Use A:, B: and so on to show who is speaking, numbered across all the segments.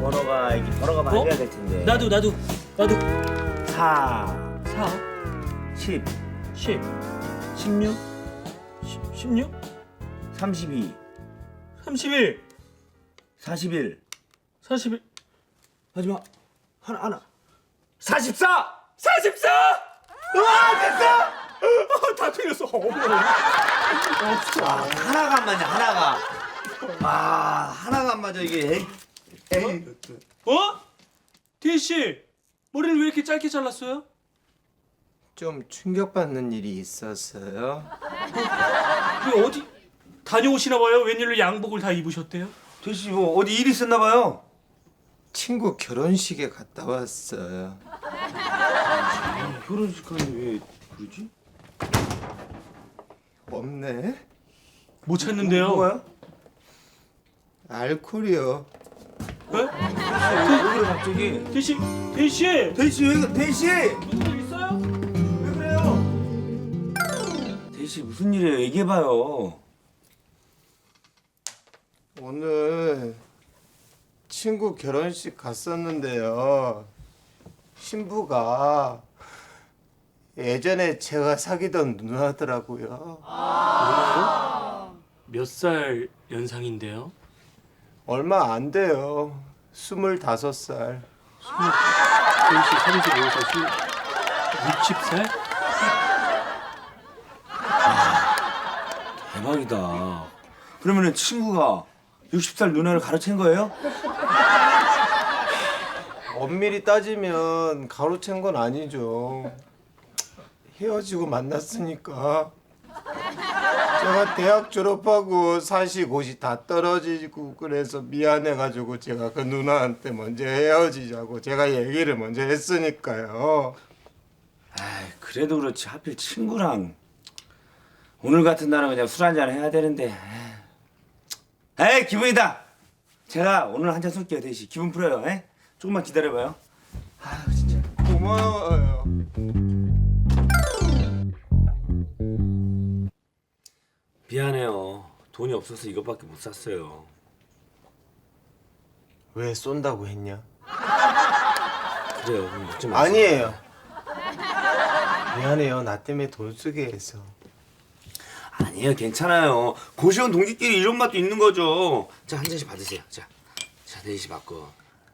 A: 번호가 이게 번호가 맞아야 될 텐데.
B: 나도
A: 4
B: 4
A: 10
B: 10
A: 16
B: 16
A: 32
B: 31
A: 41
B: 41
A: 마지막 하나 44
B: 44!
A: 와 됐어.
B: 다 틀렸어.
A: 하나가 안 맞냐 하나가. 하나가 안 맞아 이게. 에이.
B: 어? 대희 씨, 머리를 왜 이렇게 짧게 잘랐어요?
C: 좀 충격받는 일이 있었어요.
B: 왜 어디 다녀오시나 봐요? 웬일로 양복을 다 입으셨대요?
A: 대시 뭐 어디 일 있었나 봐요.
C: 친구 결혼식에 갔다 왔어요.
A: 결혼식 하는데 왜 그러지?
C: 없네.
B: 못 찾는데요?
A: 뭐가요?
C: 알코올이요.
B: 왜?
A: 왜 그래 갑자기?
B: 대희 씨, 대희 씨,
A: 대시 왜 대시?
B: 무슨 일 있어요?
A: 왜 그래요? 대시 무슨 일이에요? 얘기해봐요.
C: 오늘 친구 결혼식 갔었는데요. 신부가 예전에 제가 사귀던 누나더라고요.
B: 몇 살 연상인데요?
C: 얼마 안 돼요. 25살.
B: 대희 씨 35살, 60살?
A: 대박이다. 그러면은 친구가 60살 누나를 가로챈 거예요?
C: 엄밀히 따지면 가로챈 건 아니죠. 헤어지고 만났으니까. 제가 대학 졸업하고 사시 곳이 다 떨어지고 그래서 미안해가지고 제가 그 누나한테 먼저 헤어지자고 제가 얘기를 먼저 했으니까요.
A: 그래도 그렇지 하필 친구랑 오늘 같은 날은 그냥 술 한잔 해야 되는데. 에이 기분이다. 제가 오늘 한잔 쏠게요 대시. 기분 풀어요. 에? 조금만 기다려봐요. 아유 진짜.
C: 고마워요.
A: 미안해요. 돈이 없어서 이것밖에 못 샀어요.
C: 왜 쏜다고 했냐?
A: 그래요. 그럼 묻지 마세요.
C: 아니에요. 미안해요. 나 때문에 돈 쓰게 해서.
A: 아니에요. 괜찮아요. 고시원 동지끼리 이런 맛도 있는 거죠. 자, 한 잔씩 받으세요. 자, 대시 받고.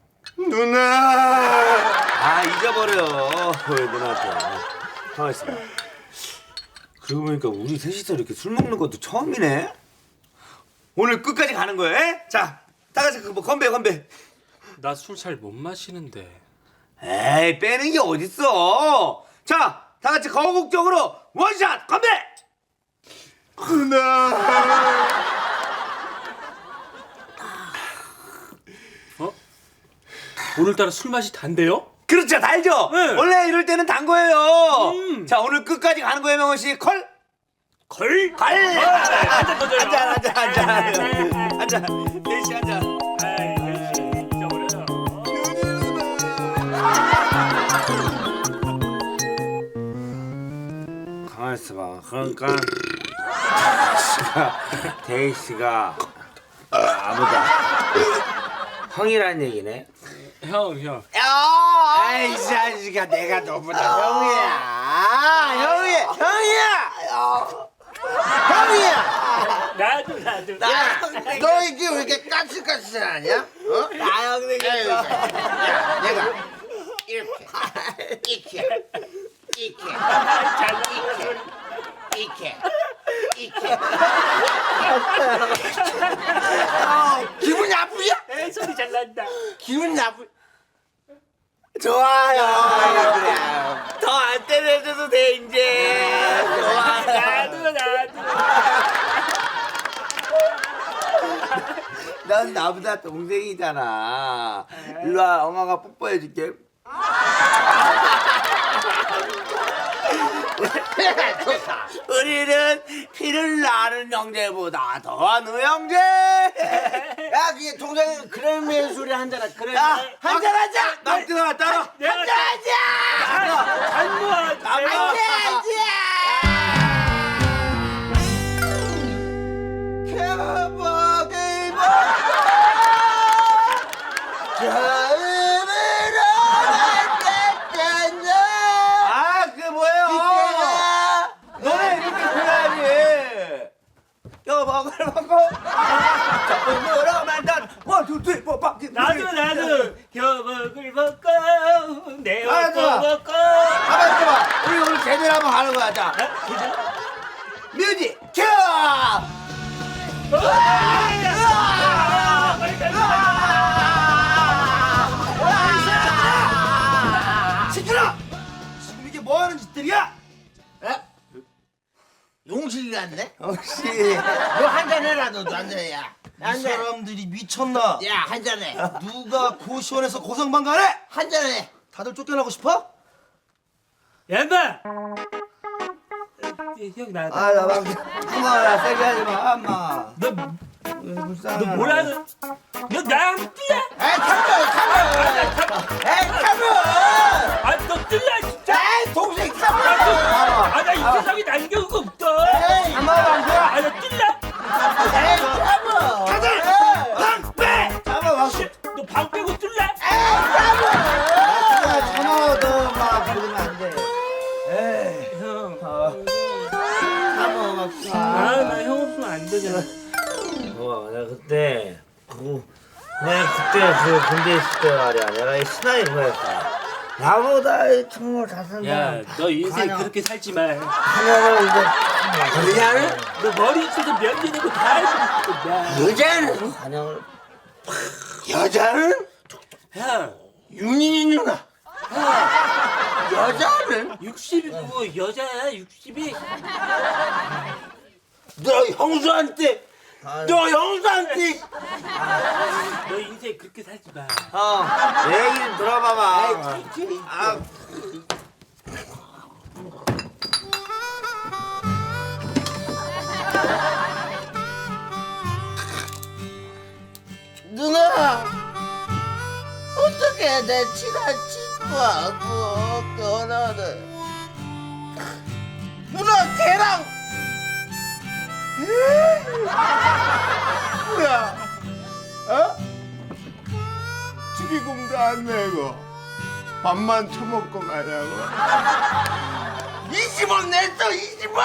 C: 누나!
A: 잊어버려. 왜 누나한테. 가만있어. 그러고 보니까 우리 셋이서 이렇게 술 먹는 것도 처음이네. 오늘 끝까지 가는 거예요. 에? 자, 다 같이 뭐 건배.
B: 나 술 잘 못 마시는데.
A: 에이, 빼는 게 어딨어. 자, 다 같이 거국적으로 원샷 건배.
C: 누나!
B: 오늘따라 술 맛이 단데요?
A: 그렇죠, 달죠.
B: 네.
A: 원래 이럴 때는 단 거예요. 자, 오늘 끝까지 가는 거예요, 명호 씨. 콜.
B: 한잔 더 줘요.
A: 앉아. 대시 앉아.
B: 아이, 대희 씨 잊어버려요.
A: 가만 있어봐. 그러니까 대희씨가 아무다 형이란 얘기네.
B: 형.
A: 아이 자식아, 내가 너보다 형이야.
B: 나도.
C: 너 이게 왜 이렇게 까칠까칠하냐? 어?
A: 나 형 되겠어.
C: 야, 내가 이렇게 기분 나쁘냐?
B: 에이, 소리 잘 난다.
C: 기분 나쁘.
A: 좋아요. 그래. 더 안 때려줘도 돼 이제. 좋아.
B: 나도.
A: 넌 나보다 동생이잖아. 일로 와, 엄마가 뽀뽀해줄게. 우리는 피를 나는 형제보다 더한 우형제.
C: 야, 그게 동생이 그런 매소리 한잔 그래.
A: 한잔 하자. 나 뜨거워, 따라.
B: 내가
A: 하자.
B: 한번
C: 개박이 자.
B: 나도 교복을 벗고 내
C: 아,
B: 옷도
C: 좋아.
B: 벗고.
C: 가만 있어봐. 우리 오늘 제대로 한번 하는 거야. 자, 뮤직 큐! 시끄러! 지금 이게 뭐 하는 짓들이야? 에? 용식이 같네? 혹시 너 한잔 해라. 너도 한잔 해. 야.
D: 이 사람들이 미쳤나?
C: 야, 한잔 해.
D: 누가 고시원에서 고성방가래?
C: 한잔 해.
D: 다들 쫓겨나고 싶어?
B: 얌마. 형 나.
C: 아, 나 막, 엄마, 세게 하지 마, 엄마.
B: 너
C: 불쌍해.
B: 뭐라는? 너 나랑 뛰야?
C: 에이, 참아! 에이, 참아!
B: 아너 뛸래 진짜?
C: 에이, 동생 참아!
B: 아나 이 세상에 남겨놓은 거 없다.
C: 에이, 참아, 안
B: 아나 뛸래?
C: 에이, 참아!
B: 다들 방 빼.
C: 참아, 막.
B: 너 방 빼고 뛸래?
C: 참아, 너, 막, 그러면 안 돼. 에이,
B: 형.
C: 참아, 막.
B: 나 형 없으면 안 되잖아.
A: 내가 그때 그 군대 있을 때 말이야. 내가 이 신하이 그거였어. 나보다 정말 잘생긴
B: 야, 너 인생 그렇게 살지 마.
C: 하나는 이제 그냥
B: 너 머리 있어서 면제 내고 다 알고 있어.
C: 여자는 한양을 여자는
B: 형,
C: 윤인이 누나 여자는
B: 60이고 여자야 60이.
C: 너 형수한테 너 형수한테
B: 너 인생 그렇게 살지 마.
C: 내 얘기 좀 들어봐봐. 아, 누나 어떻게 내 친한 친구하고 결혼을 누나 걔랑 뭐야 어? 축의금도 안 내고 밥만 처먹고 가냐고 20원 냈어 20원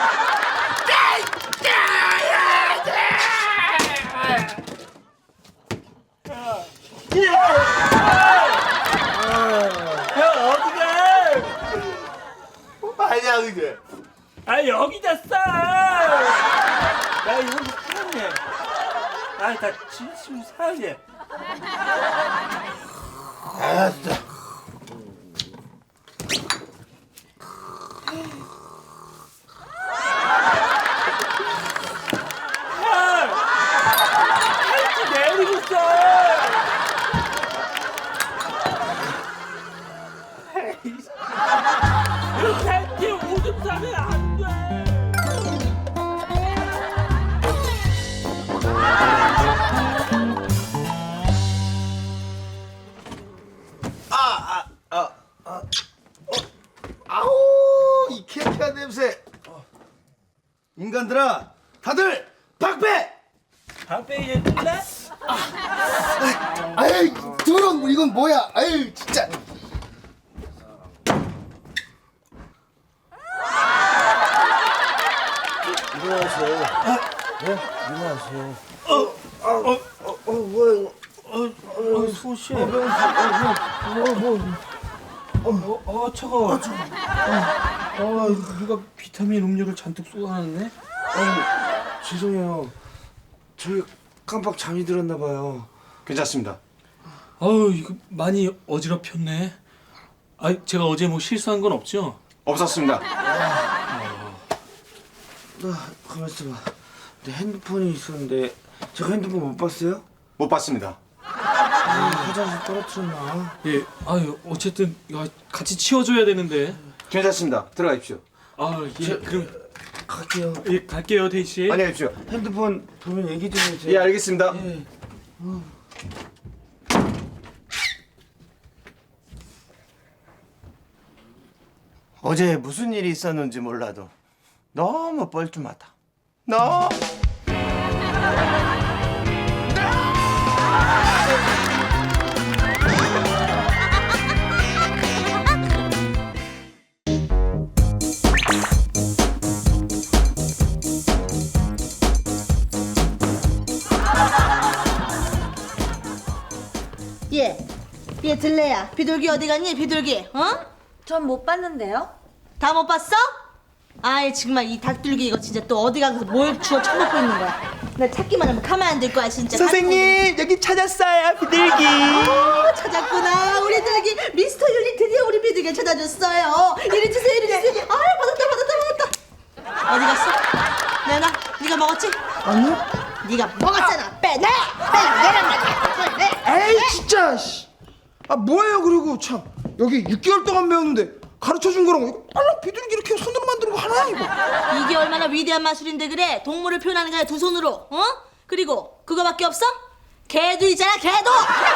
B: 형 어디가?
C: 아니야 그게
B: 아 여기다 싸. 야 형 사랑해. 아다 진심 사랑해.
C: 알았어
B: 팔찌 내리고 있어. 이렇게 할때 오줌 싸면 안 돼.
D: 아우 이 쾌쾌한 냄새. 인간들아, 다들 박배!
B: 방패 뜰래?
D: 아이 더러운 이건 뭐야? 아유 진짜.
C: 일어나세요 네? 일어나세요 뭐야 이거
B: 소시. 차가워. 누가 비타민 음료를 잔뜩 쏟아놨네?
A: 죄송해요. 저희 깜빡 잠이 들었나 봐요.
D: 괜찮습니다.
B: 아우 이거 많이 어지럽혔네. 아 제가 어제 뭐 실수한 건 없죠?
D: 없었습니다.
A: 나 가만 있어봐. 내 핸드폰이 있었는데 제가 핸드폰 못 봤어요?
D: 못 봤습니다.
A: 화장실 떨어뜨렸나?
B: 예. 아유 어쨌든 야, 같이 치워줘야 되는데.
D: 괜찮습니다. 들어가십시오.
B: 아 예. 그럼
A: 갈게요.
B: 예 갈게요 데이 씨.
D: 안녕히 계십시오.
A: 핸드폰 보면 얘기 좀 해주세요.
D: 예, 알겠습니다.
C: 어제 무슨 일이 있었는지 몰라도 너무 뻘쭘하다 너
E: 얘 들레야. 비둘기 어디 갔니? 비둘기. 어?
F: 전 못 봤는데요.
E: 다 못 봤어? 아이 정말 이 닭둘기 이거 진짜 또 어디 가서 뭘 주워 처먹고 있는 거야. 나 찾기만 하면 가만 안 둘 거야 진짜.
A: 선생님 여기 찾았어요 비둘기.
E: 찾았구나. 우리 비둘기 미스터 율리 드디어 우리 비둘기 찾아줬어요. 이리 주세요 이리 주세요. 받았다. 어디 갔어? 내놔. 네가 먹었지?
C: 아니?
E: 네가 먹었잖아. 빼내. 내란 말이야.
C: 에이 진짜. 씨. 아 뭐예요 그리고 참 여기 6개월 동안 배웠는데 가르쳐준 거랑 이거 빨랑 비둘기 이렇게 손으로 만드는 거 하나야 이거.
E: 이게 얼마나 위대한 마술인데 그래. 동물을 표현하는 거야 두 손으로. 어? 그리고 그거밖에 없어? 개도 있잖아 개도.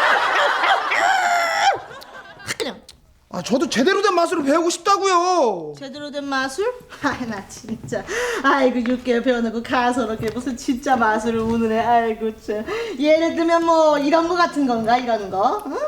E: 그냥
C: 아 저도 제대로 된 마술을 배우고 싶다고요.
E: 제대로 된 마술? 아이 나 진짜 아이고 6개월 배워놓고 가서롭게 무슨 진짜 마술을 우는 애. 아이고 참. 예를 들면 뭐 이런 거 같은 건가 이런 거? 응?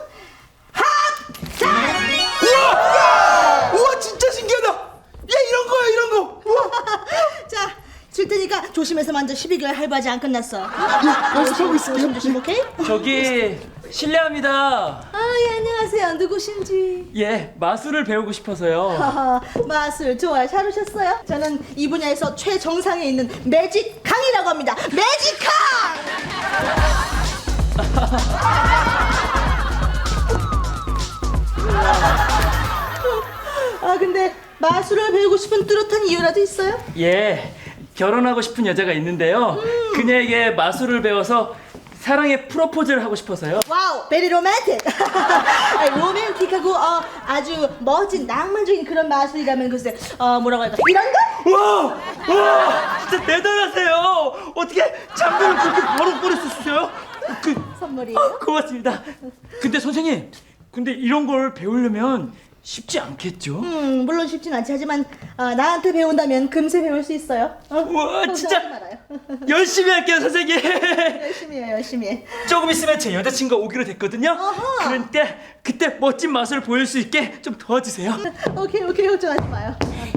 C: 우와 진짜 신기하다. 야 이런 거야 이런 거. 우와.
E: 자, 줄 테니까 조심해서 만져. 12개월 할부하지 안 끝났어.
C: 연습하고 있을게요.
E: 조심 오케이?
B: 저기 실례합니다.
E: 아, 예, 안녕하세요. 누구신지?
B: 예, 마술을 배우고 싶어서요.
E: 하하, 마술 좋아요. 잘 오셨어요? 저는 이 분야에서 최정상에 있는 매직 강이라고 합니다. 매직 강! 아, 근데 마술을 배우고 싶은 뚜렷한 이유라도 있어요?
B: 예, 결혼하고 싶은 여자가 있는데요. 그녀에게 마술을 배워서 사랑의 프로포즈를 하고 싶어서요.
E: 와우, 베리 로맨틱. 로맨틱하고 아주 멋진 낭만적인 그런 마술이라면 글쎄 뭐라고 할까? 이런 거?
B: 와, 진짜 대단하세요. 어떻게 장비를 그렇게 바로 수 있어요?
E: 선물이에요?
B: 고맙습니다. 근데 선생님, 근데 이런 걸 배우려면 쉽지 않겠죠?
E: 물론 쉽진 않지. 하지만 나한테 배운다면 금세 배울 수 있어요.
B: 우와, 진짜
E: 걱정하지 말아요.
B: 열심히 할게요, 선생님.
E: 열심히 해, 열심히 해.
B: 조금 있으면 제 여자친구가 오기로 됐거든요.
E: 어허.
B: 그런데 그때 멋진 마술을 보일 수 있게 좀 도와주세요.
E: 오케이, 걱정하지 마요.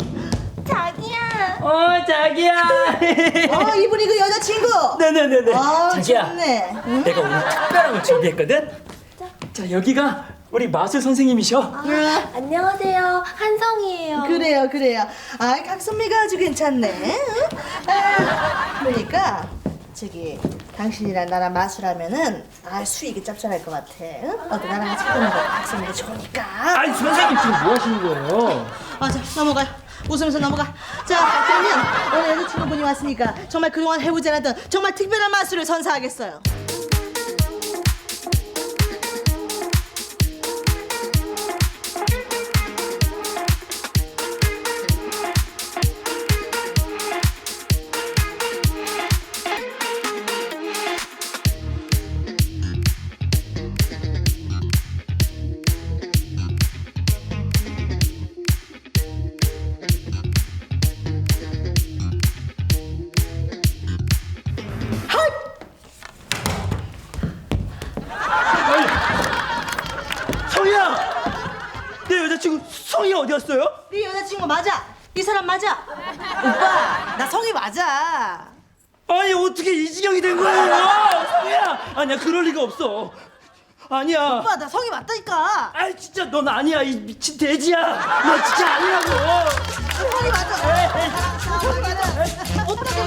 F: 자기야.
B: 자기야.
E: 이분이 그 여자친구.
B: 네네네네. 자기야,
E: 좋네. 응?
B: 내가 오늘 특별한 걸 준비했거든. 자, 여기가 우리 마술 선생님이셔.
F: 안녕하세요. 한성이에요.
E: 그래요. 각선미가 아주 괜찮네. 응? 그러니까 저기 당신이랑 나랑 마술하면은 수익이 짭짤할 것 같아. 응? 너도 나랑 같이 해보는 거 각선미가 좋으니까.
B: 아니, 선생님 지금 뭐 하시는 거예요?
E: 자, 넘어가요. 웃으면서 넘어가. 자, 그러면 오늘 여자친구분이 왔으니까 정말 그동안 해보지 않았던 정말 특별한 마술을 선사하겠어요.
B: 성희야! 내 여자친구 성희 어디 갔어요?
E: 네 여자친구 맞아? 이 사람 맞아? 오빠, 나 성이 맞아.
B: 아니, 어떻게 이 지경이 된 거예요? 성희야! 아니야, 그럴 리가 없어. 아니야.
E: 오빠, 나 성이 맞다니까.
B: 아이, 진짜 넌 아니야, 이 미친 돼지야. 너 진짜 아니라고.
E: 성이 맞아. 성이 맞아. 오빠가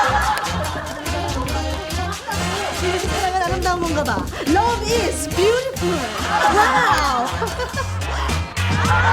E: 이렇게 사랑은 아름다운 건가 봐. Love is beautiful. 와우.